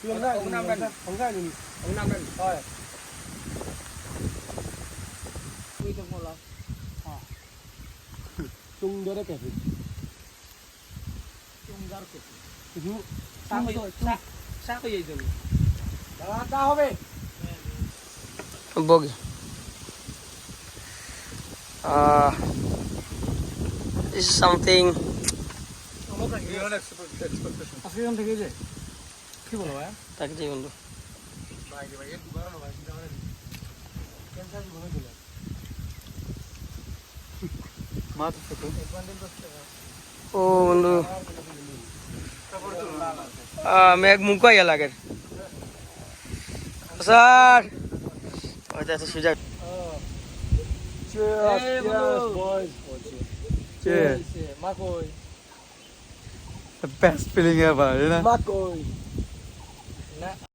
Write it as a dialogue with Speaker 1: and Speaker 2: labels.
Speaker 1: ông Nam đây, ông Nam đây. Thôi. Quy trong một lần.
Speaker 2: chung đưa đấy kể
Speaker 1: Chung ra được.
Speaker 2: chung
Speaker 1: Sao cái gì rồi?
Speaker 2: đó cao হবে
Speaker 3: Bogey. This is something.
Speaker 2: আজকে থেকে যে কি বলো ভাই
Speaker 3: তাকে দিয়ে বন্ধু
Speaker 2: ভাই ভাই একটু বাড়ানো ভাই চিন্তা করেন ক্যান্সার জীবনে দিল মাছ তো
Speaker 3: ও বন্ধু মেঘ মুখা ইয়া লাগে স্যার ওইটা তো সুযোগ
Speaker 2: cheers
Speaker 1: Hey,
Speaker 2: cheers
Speaker 1: bro.
Speaker 2: boys
Speaker 3: Cheers.
Speaker 2: Makoy
Speaker 3: the best feeling ever you know
Speaker 2: Makoy